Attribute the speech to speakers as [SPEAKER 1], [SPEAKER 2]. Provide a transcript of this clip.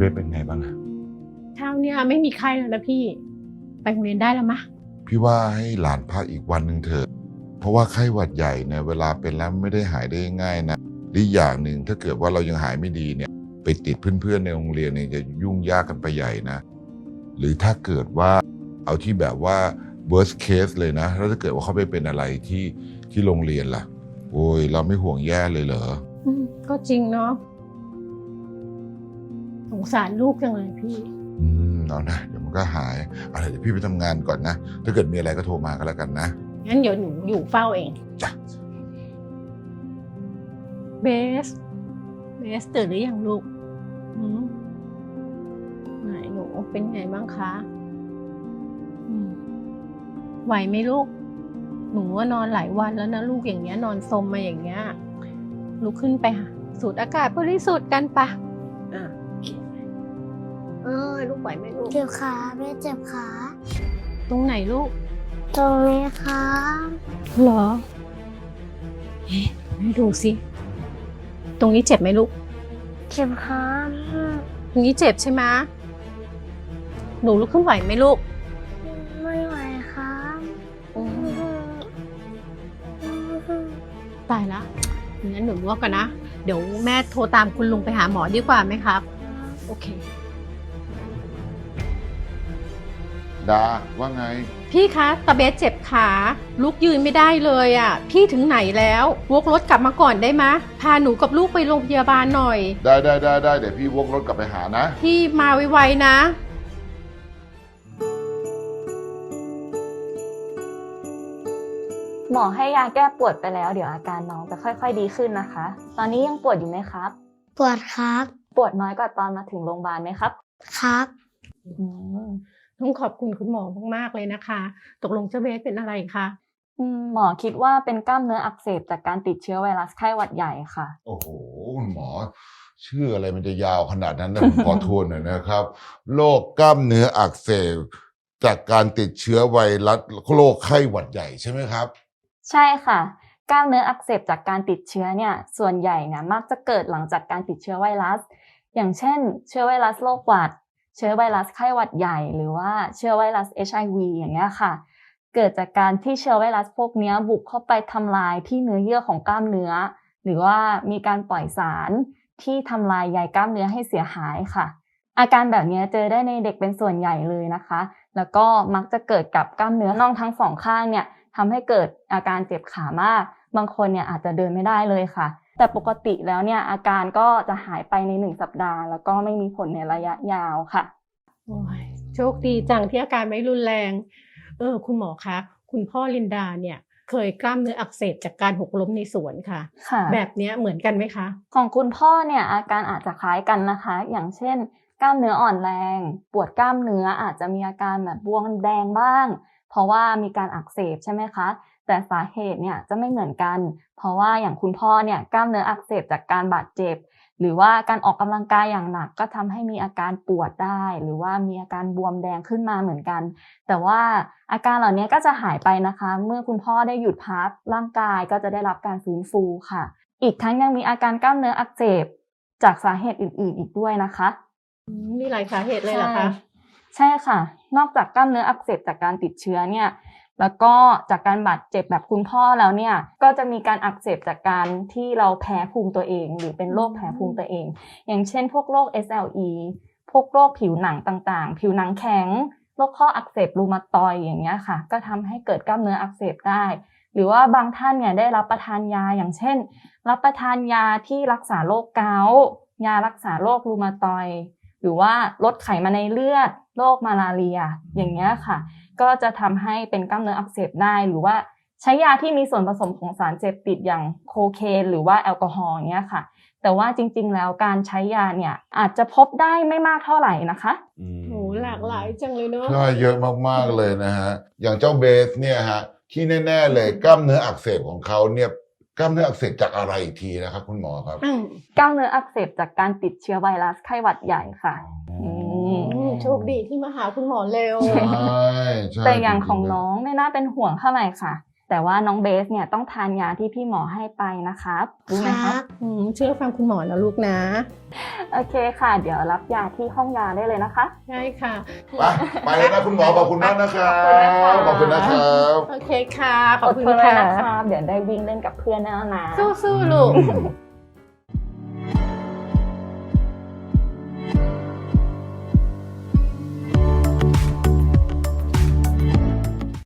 [SPEAKER 1] เบสเป็นไงบ้างอะ
[SPEAKER 2] เช้าเนี่ยไม่มีไข้แล้วนะพี่ไปโรงเรียนได้แล้วมะ
[SPEAKER 1] พี่ว่าให้หลานพักอีกวันหนึ่งเถอะเพราะว่าไข้หวัดใหญ่เนี่ยเวลาเป็นแล้วไม่ได้หายได้ง่ายนะอีกอย่างหนึ่งถ้าเกิดว่าเรายังหายไม่ดีเนี่ยไปติดเพื่อนๆในโรงเรียนเนี่ยจะยุ่งยากกันไปใหญ่นะหรือถ้าเกิดว่าเอาที่แบบว่า worst case เลยนะแล้วถ้าเกิดว่าเขาไปเป็นอะไรที่โรงเรียนล่ะโอ้ยเราไม่ห่วงแย่เลยเหรอ
[SPEAKER 2] ก็จริงเนาะสงสารลูกจังเลยพี่
[SPEAKER 1] เอานะเดี๋ยวมันก็หายอะไรเดี๋ยวพี่ไปทำงานก่อนนะถ้าเกิดมีอะไรก็โทรมาก็แล้วกันนะ
[SPEAKER 2] งั้นเดี๋ยวหนูอยู่เฝ้าเอง
[SPEAKER 1] จ้ะ
[SPEAKER 2] เบสตื่นหรือยังลูกไหนหนูเป็นไงบ้างคะไหวไหมลูกหนูว่านอนหลายวันแล้วนะลูกอย่างเงี้ยนอนซมมาอย่างเงี้ยลุกขึ้นไปสูดอากาศบริสุทธิ์กันปะลูกไหวไหมลูก
[SPEAKER 3] เจ็บขาแม่เจ็บขา
[SPEAKER 2] ตรงไหนลูก
[SPEAKER 3] ตรงนี้ค่ะ
[SPEAKER 2] เหรอให้ดูสิตรงนี้เจ็บไหมลูก
[SPEAKER 3] เจ็บขา
[SPEAKER 2] ตรงนี้เจ็บใช่ไหมหนูลุกขึ้นไหวไหมลูก
[SPEAKER 3] ไม่ไหวครับ
[SPEAKER 2] ตายละงั้นหนูลวกกันนะเดี๋ยวแม่โทรตามคุณลุงไปหาหมอดีกว่าไหมครับโอเค
[SPEAKER 1] ดาว่าไง
[SPEAKER 2] พี่คะตาเบสเจ็บขาลุกยืนไม่ได้เลยอ่ะพี่ถึงไหนแล้ววกรถกลับมาก่อนได้ไหมพาหนูกับลูกไปโรงพยาบาลหน่อย
[SPEAKER 1] ได้เดี๋ยวพี่วกรถกลับไปหานะ
[SPEAKER 2] พี่มาไวๆนะ
[SPEAKER 4] หมอให้ยาแก้ปวดไปแล้วเดี๋ยวอาการน้องจะค่อยๆดีขึ้นนะคะ ตอนนี้ยังปวดอยู่ไหมครับ
[SPEAKER 3] ปวดครับ
[SPEAKER 4] ปวดน้อยกว่าตอนมาถึงโรงพยาบาลไหมครับ
[SPEAKER 3] ครับ
[SPEAKER 2] ต้องขอบคุณคุณหมอมากๆเลยนะคะตกลงเจ้าเบสเป็นอะไรคะ
[SPEAKER 4] หมอคิดว่าเป็นกล้ามเนื้ออักเสบจากการติดเชื้อไวรัสไข้หวัดใหญ่ค่ะ
[SPEAKER 1] โอ้โหคุณหมอชื่ออะไรมันจะยาวขนาดนั้นนะผมขอทวนหน่อยนะครับโรคกล้ามเนื้ออักเสบจากการติดเชื้อไวรัสโรคไข้หวัดใหญ่ใช่ไหมครับ
[SPEAKER 4] ใช่ค่ะกล้ามเนื้ออักเสบจากการติดเชื้อเนี่ยส่วนใหญ่เนี่ยมักจะเกิดหลังจากการติดเชื้อไวรัสอย่างเช่นเชื้อไวรัสโรคหวัดเชื้อไวรัสไข้หวัดใหญ่หรือว่าเชื้อไวรัส HIV อย่างเงี้ยค่ะเกิดจากการที่เชื้อไวรัสพวกนี้บุกเข้าไปทำลายที่เนื้อเยื่อของกล้ามเนื้อหรือว่ามีการปล่อยสารที่ทำลายใยกล้ามเนื้อให้เสียหายค่ะอาการแบบนี้เจอได้ในเด็กเป็นส่วนใหญ่เลยนะคะแล้วก็มักจะเกิดกับกล้ามเนื้อน่องทั้งสองข้างเนี่ยทำให้เกิดอาการเจ็บขามากบางคนเนี่ยอาจจะเดินไม่ได้เลยค่ะแต่ปกติแล้วเนี่ยอาการก็จะหายไปใน1 สัปดาห์แล้วก็ไม่มีผลในระยะยาวค่ะ
[SPEAKER 2] โอ้ยโชคดีจังที่อาการไม่รุนแรงคุณหมอคะคุณพ่อลินดาเนี่ยเคยกล้ามเนื้ออักเสบจากการหกล้มในสวนค่ะ แบบนี้เหมือนกันไหมคะ
[SPEAKER 4] ของคุณพ่อเนี่ยอาการอาจจะคล้ายกันนะคะอย่างเช่นกล้ามเนื้ออ่อนแรงปวดกล้ามเนื้ออาจจะมีอาการแบบบวมแดงบ้างเพราะว่ามีการอักเสบใช่ไหมคะแต่สาเหตุเนี่ยจะไม่เหมือนกันเพราะว่าอย่างคุณพ่อเนี่ยกล้ามเนื้ออักเสบจากการบาดเจ็บหรือว่าการออกกำลังกายอย่างหนักก็ทำให้มีอาการปวดได้หรือว่ามีอาการบวมแดงขึ้นมาเหมือนกันแต่ว่าอาการเหล่านี้ก็จะหายไปนะคะเมื่อคุณพ่อได้หยุดพักร่างกายก็จะได้รับการฟื้นฟูค่ะอีกทั้งยังมีอาการกล้ามเนื้ออักเสบจากสาเหตุอื่นๆอีกด้วยนะคะ
[SPEAKER 2] มีหลายสาเหตุเลยเหรอคะ
[SPEAKER 4] ใช่ค่ะนอกจากกล้ามเนื้ออักเสบจากการติดเชื้อเนี่ยแล้วก็จากการบาดเจ็บแบบคุณพ่อแล้วเนี่ยก็จะมีการอักเสบจากการที่เราแพ้ภูมิตัวเองหรือเป็นโรคแพ้ภูมิตัวเองอย่างเช่นพวกโรค SLE พวกโรคผิวหนังต่างๆผิวหนังแข็งโรคข้ออักเสบรูมาตอยด์อย่างเงี้ยค่ะก็ทำให้เกิดกล้ามเนื้ออักเสบได้หรือว่าบางท่านเนี่ยได้รับประทานยาอย่างเช่นรับประทานยาที่รักษาโรคเกาต์ยารักษาโรครูมาตอยด์หรือว่าลดไขมันในเลือดโรคมาลาเรียอย่างเงี้ยค่ะก็จะทำให้เป็นกล้ามเนื้ออักเสบได้หรือว่าใช้ยาที่มีส่วนผสมของสารเสพติดอย่างโคเคนหรือว่าแอลกอฮอล์อย่างเงี้ยค่ะแต่ว่าจริงๆแล้วการใช้ยาเนี่ยอาจจะพบได้ไม่มากเท่าไหร่นะคะ
[SPEAKER 2] โหหลากหลายจังเลยเนาะ
[SPEAKER 1] ใช่เยอะมากๆเลยนะฮะอย่างเจ้าเบสเนี่ยฮะที่แน่ๆเลยกล้ามเนื้ออักเสบของเขาเนี่ยกล้ามเนื้ออักเสบจากอะไรอีกทีนะครับคุณหมอครับ
[SPEAKER 4] กล้ามเนื้ออักเสบจากการติดเชื้อไวรัสไข้หวัดใหญ่ค่ะ
[SPEAKER 2] โชคดีที่มาหาคุณหมอเร็ว
[SPEAKER 1] ใช่
[SPEAKER 4] แต่อย่างของน้องไม่น่าเป็นห่วงเท่าไหร่ค่ะแต่ว่าน้องเบสเนี่ยต้องทานยาที่พี่หมอให้ไปนะครับรู้ไหมครับ
[SPEAKER 2] เชื่อฟังคุณหมอนะลูกนะ
[SPEAKER 4] โอเคค่ะ เดี๋ยวรับยาที่ห้องยาได้เลยนะคะ
[SPEAKER 2] ใช่ค่ะ
[SPEAKER 1] ไปเลยนะคุณหมอขอบคุณมากนะครับขอบคุณนะครับ
[SPEAKER 2] โอเคค่ะ ขอบคุณ
[SPEAKER 4] เลย
[SPEAKER 2] ค่ะ
[SPEAKER 4] นะคะเดี๋ยวได้วิ่งเล่นกับเพื่อนแน่นะ
[SPEAKER 2] สู้ๆลูก